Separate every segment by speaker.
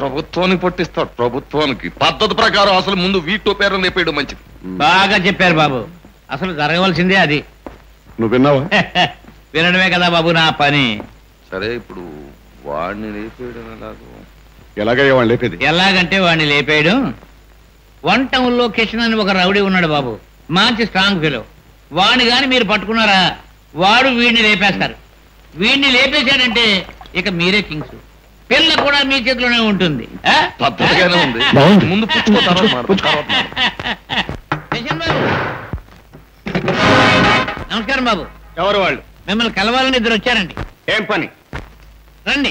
Speaker 1: ప్రభుత్వానికి పట్టిస్తాడు. ప్రభుత్వానికి పద్ధతి ప్రకారం అసలు ముందు వీటో పేరు లేపేయడం మంచిది.
Speaker 2: బాగా చెప్పారు బాబు. అసలు జరగవలసిందే అది.
Speaker 3: నువ్వు విన్నావా?
Speaker 2: వినడమే కదా బాబు నా పని.
Speaker 1: సరే, ఇప్పుడు వాడిని లేపేయడం
Speaker 3: ఎలాగయ్యా వాడిని లేపేది?
Speaker 2: ఎలాగంటే వాడిని లేపేయడం, 1 టౌన్ లో కిషన్ అని ఒక రౌడీ ఉన్నాడు బాబు, మంచి స్ట్రాంగ్ ఫెలో. వాడిని గాని మీరు పట్టుకున్నారా, వాడు వీడిని లేపేస్తారు. వీడిని లేపేశాడంటే ఇక మీరే కింగ్స్. పిల్ల కూడా మీ చేతిలోనే ఉంటుంది.
Speaker 1: పద్ధతిగానే ఉంది. ముందు
Speaker 2: నమస్కారం బాబు.
Speaker 4: ఎవరు వాళ్ళు?
Speaker 2: మిమ్మల్ని కలవాలని ఇద్దరు వచ్చారండి.
Speaker 4: ఏం పని?
Speaker 2: రండి.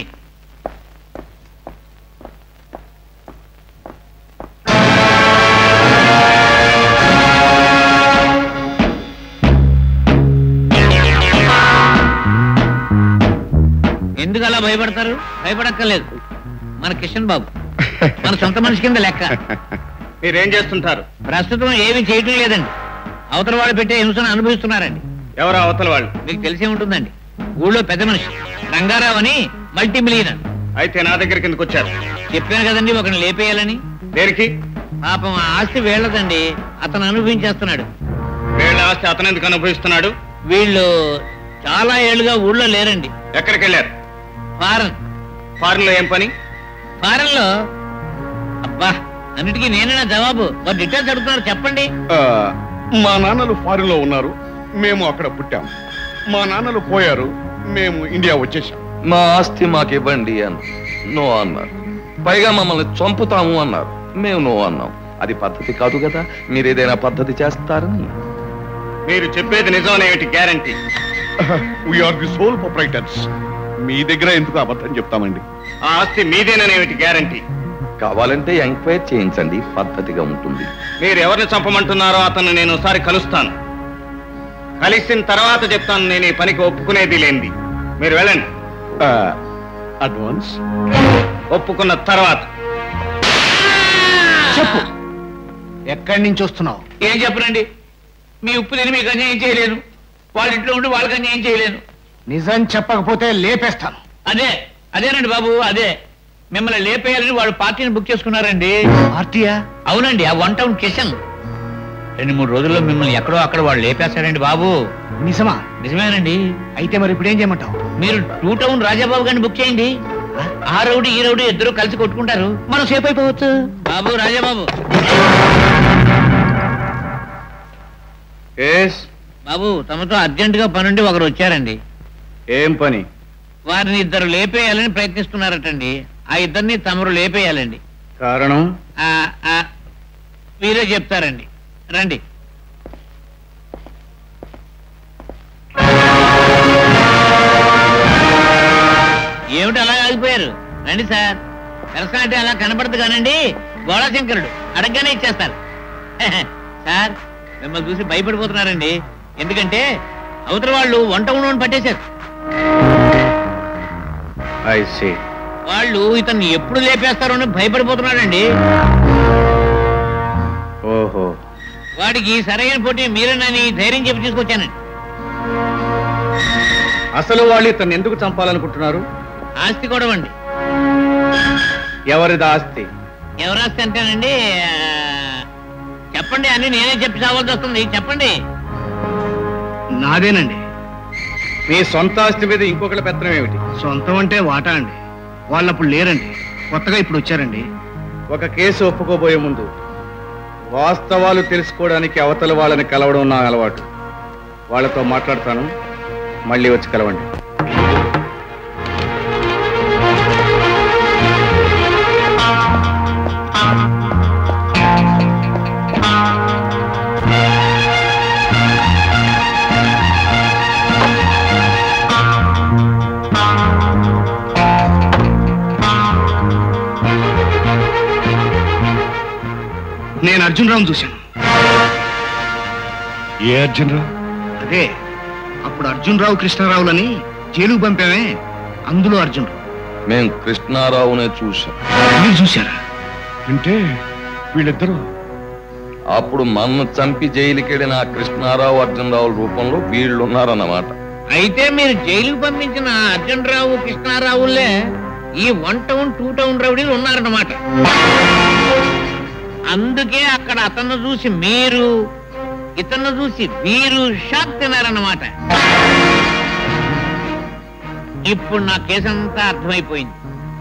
Speaker 2: ఎందుకు అలా భయపడతారు? భయపడక్కర్లేదు. మన కిషన్ బాబు మన సొంత మనిషి కింద లెక్క.
Speaker 4: మీరేం చేస్తుంటారు?
Speaker 2: ప్రస్తుతం ఏమీ చేయటం లేదండి. అవతల వాళ్ళు పెట్టే హింసను అనుభవిస్తున్నారండి.
Speaker 4: ఎవరు అవతల వాళ్ళు?
Speaker 2: మీకు తెలిసే ఉంటుందండి. ఊళ్ళో పెద్ద మనిషి రంగారావు అని, మల్టీ మిలియనర్.
Speaker 4: అయితే నా దగ్గరికి ఎందుకు వచ్చారు?
Speaker 2: చెప్పాను కదండి ఒకరిని లేపేయాలని.
Speaker 4: దేనికి?
Speaker 2: పాపం ఆస్తి వీళ్ళదండి, అతను అనుభవించేస్తున్నాడు.
Speaker 4: వీళ్ళ ఆస్తి అతను ఎందుకు అనుభవిస్తున్నాడు?
Speaker 2: వీళ్ళు చాలా ఏళ్లుగా ఊళ్ళో లేరండి.
Speaker 4: ఎక్కడికి వెళ్ళారు?
Speaker 2: ఫారెన్.
Speaker 4: ఫారెన్ లో ఏం పని?
Speaker 2: ఫారెన్ లో అబ్బా అన్నిటికీ నేనేనా జవాబు? మరి డీటెయిల్స్ అడుగుతున్నారు, చెప్పండి.
Speaker 3: మా నాన్నలు ఫారిన్ లో ఉన్నారు, మేము అక్కడ పుట్టాం. మా నాన్నలు పోయారు, మేము ఇండియా వచ్చేసాం.
Speaker 1: మా ఆస్తి మాకివ్వండి అని నో అన్నారు. పైగా మమ్మల్ని చంపుతాము అన్నారు. మేము నో అన్నాం. అది పద్ధతి కాదు కదా. మీరు ఏదైనా పద్ధతి చేస్తారని.
Speaker 4: మీరు చెప్పేది నిజమనేమిటి guarantee?
Speaker 3: We are the sole proprietors. మీ దగ్గర ఎందుకు అబద్ధం చెప్తామండి?
Speaker 4: ఆ ఆస్తి మీదేననేమిటి గ్యారంటీ?
Speaker 1: కావాలంటే ఎంక్వైరీ చేయించండి, పద్ధతిగా ఉంటుంది.
Speaker 4: మీరు ఎవరిని చంపమంటున్నారో అతను నేను ఒకసారి కలుస్తాను. కలిసిన తర్వాత చెప్తాను నేను ఈ పనికి ఒప్పుకునేది లేనిది. మీరు వెళ్ళండి.
Speaker 3: అడ్వాన్స్
Speaker 4: ఒప్పుకున్న తర్వాత
Speaker 2: చెప్పు.
Speaker 4: ఎక్కడి నుంచి వస్తున్నావు?
Speaker 2: ఏం చెప్పనండి. మీ ఉప్పు తిని మీకు అన్యాయం చేయలేను, వాళ్ళ ఇంట్లో ఉండి వాళ్ళకి అన్యాయం చేయలేను.
Speaker 4: నిజం చెప్పకపోతే లేపేస్తాను.
Speaker 2: అదేనండి బాబు, అదే. మిమ్మల్ని లేపేయాలని వాళ్ళు పార్టీని బుక్ చేసుకున్నారండి.
Speaker 4: పార్టీయా?
Speaker 2: అవునండి, ఆ 1 టౌన్ కిషన్. 2-3 రోజుల్లో మిమ్మల్ని ఎక్కడో అక్కడ వాళ్ళు లేపేస్తారండి బాబు.
Speaker 4: నిజమా?
Speaker 2: నిజమేనండి.
Speaker 4: అయితే మరి ఇప్పుడు ఏం చేయమంటావు?
Speaker 2: మీరు 2 టౌన్ రాజాబాబు గారిని బుక్ చేయండి. ఆ రౌడీ ఈ రౌడీ ఇద్దరు కలిసి కొట్టుకుంటారు, మనం సేఫ్ అయిపోవచ్చు. బాబు రాజాబాబు. బాబు తమతో అర్జెంట్ గా పనుండి ఒకరు వచ్చారండి.
Speaker 4: ఏం పని?
Speaker 2: వారిని ఇద్దరు లేపేయాలని ప్రయత్నిస్తున్నారటండి. ఆ ఇద్దరిని తమరు లేపేయాలండి.
Speaker 4: కారణం?
Speaker 2: మీరే చెప్తారండి. రండి. ఏమిటి అలా ఆగిపోయారు? రండి సార్. పెరసా అలా కనపడదు కానండి, గోళాశంకరుడు అడగగానే ఇచ్చేస్తారు. సార్ మిమ్మల్ని చూసి భయపడిపోతున్నారండి. ఎందుకంటే అవతల వాళ్ళు 1 టౌన్ పట్టేశారు. వాళ్ళు ఇతన్ని ఎప్పుడు లేపేస్తారో అని భయపడిపోతున్నాడండి.
Speaker 4: ఓహో.
Speaker 2: వాడికి సరైన పోటీ మీరేనని ధైర్యం చెప్పి తీసుకొచ్చానండి.
Speaker 4: అసలు వాళ్ళు ఇతన్ని ఎందుకు చంపాలనుకుంటున్నారు?
Speaker 2: ఆస్తి గొడవండి.
Speaker 4: ఎవరిది ఆస్తి?
Speaker 2: ఎవరాస్తి అంటేనండి, చెప్పండి అని నేనే చెప్పి చావాల్సి వస్తుంది. చెప్పండి.
Speaker 4: నాదేనండి. మీ సొంత ఆస్తి మీద ఇంకొకటి పెత్తనం ఏమిటి? సొంతం అంటే వాటా అండి. వాళ్ళప్పుడు లేరండి, కొత్తగా ఇప్పుడు వచ్చారండి. ఒక కేసు ఒప్పుకోబోయే ముందు వాస్తవాలు తెలుసుకోవడానికి అవతల వాళ్ళని కలవడం నా అలవాటు. వాళ్ళతో మాట్లాడతాను, మళ్ళీ వచ్చి కలవండి. నేను అర్జునరావును చూశాను.
Speaker 3: ఏ అర్జునరావు?
Speaker 4: అదే అప్పుడు అర్జునరావు కృష్ణారావులని జైలుకు పంపామే, అందులో అర్జునరావు.
Speaker 1: మేము కృష్ణారావునే చూసాం.
Speaker 4: మీరు చూశారా?
Speaker 3: అంటే వీళ్ళిద్దరూ
Speaker 1: అప్పుడు మన్ను చంపి జైలుకెళ్ళిన కృష్ణారావు అర్జునరావు రూపంలో వీళ్ళున్నారన్నమాట.
Speaker 2: అయితే మీరు జైలుకు పంపించిన అర్జునరావు కృష్ణారావులే ఈ 1 టౌన్ 2 టౌన్ రౌడీలు ఉన్నారన్నమాట. అందుకే అక్కడ అతన్ని చూసి మీరు, ఇతన్ని చూసి వీరు షాక్ తిన్నారన్నమాట. ఇప్పుడు నా కేసంతా అర్థమైపోయింది.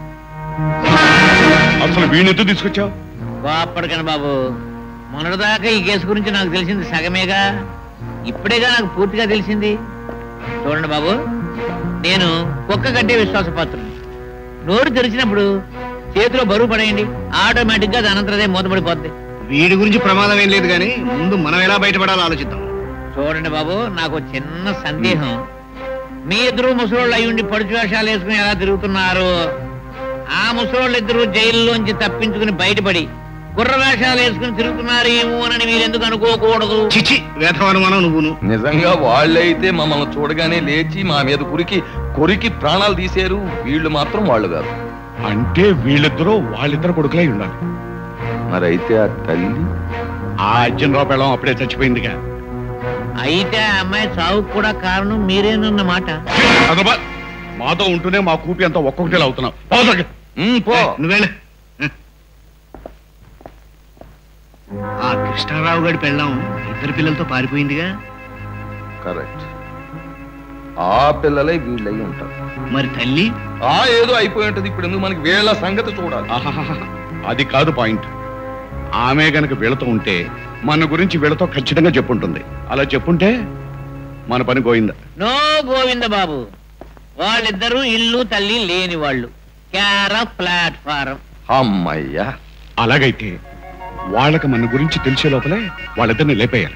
Speaker 3: అసలు వీణెత్తు తీసుకొచ్చావు?
Speaker 2: బాపడకను బాబు, మొన్నటిదాకా ఈ కేసు గురించి నాకు తెలిసింది సగమేగా, ఇప్పుడేగా నాకు పూర్తిగా తెలిసింది. చూడండి బాబు, నేను కుక్క కంటే విశ్వాసపాత్రుని. నోరు తెరిచినప్పుడు చేతిలో బరువు పడేయండి, ఆటోమేటిక్ గా దానంతరదే మూతపడిపోద్ది.
Speaker 4: వీడి గురించి ప్రమాదం ఏం లేదు కానీ ముందు మనం ఎలా బయటపడాలో ఆలోచిద్దాం.
Speaker 2: చూడండి బాబు, నాకు చిన్న సందేహం. మీ ఇద్దరు ముసలోళ్ళు అయ్యుండి పడుచు వేషాలు వేసుకుని ఎలా తిరుగుతున్నారు? ఆ ముసలోళ్ళు ఇద్దరు జైల్లోంచి తప్పించుకుని బయటపడి గుర్ర వేషాలు వేసుకుని తిరుగుతున్నారేమో అని మీరు ఎందుకు అనుకోకూడదు?
Speaker 4: చిచి, వేధవనుమానం నువ్వును.
Speaker 1: నిజంగా వాళ్ళైతే మమ్మల్ని చూడగానే లేచి మా మీద కొరికి ప్రాణాలు తీశారు. వీళ్ళు మాత్రం వాళ్ళు కాదు.
Speaker 3: అంటే వీళ్ళిద్దరూ వాళ్ళిద్దరు కొడుకులై ఉండాలి.
Speaker 1: మరైతే ఆ తల్లి
Speaker 3: ఆ అర్జునరావు పెళ్ళం అప్పుడే చచ్చిపోయిందిగా.
Speaker 2: అయితే ఆ అమ్మాయి చావుకు కూడా కారణం మీరేనన్నమాట.
Speaker 3: అదబ్బా, మాతో ఉంటూనే మా కూపి అంతా ఒక్కొక్కటి అవుతున్నావు.
Speaker 1: పో.
Speaker 4: నువ్వేళ ఆ కృష్ణారావు గారి పెళ్ళాం 2 పిల్లలతో పారిపోయిందిగా.
Speaker 1: కరెక్ట్. ఆ పిల్లలే వీళ్ళై ఉంటారు.
Speaker 4: మరి తల్లి
Speaker 1: ఏదో అయిపోయి ఉంటది. ఇప్పుడు ఎందుకు మనకి వీళ్ళ సంగతి చూడాలి?
Speaker 3: అది కాదు పాయింట్. ఆమె గనక వీళ్ళతో ఉంటే మన గురించి వీళ్ళతో ఖచ్చితంగా చెప్పుంటుంది. అలా చెప్పుంటే మన పని గోయిందా?
Speaker 2: నో గోవింద బాబు, వాళ్ళిద్దరూ ఇల్లు తల్లి లేని వాళ్ళు, క్యార ప్లాట్ఫారం.
Speaker 1: అమ్మయ్యా.
Speaker 3: అలాగైతే వాళ్ళకి మన గురించి తెలిసే లోపలే వాళ్ళిద్దరిని లేపేయాలి.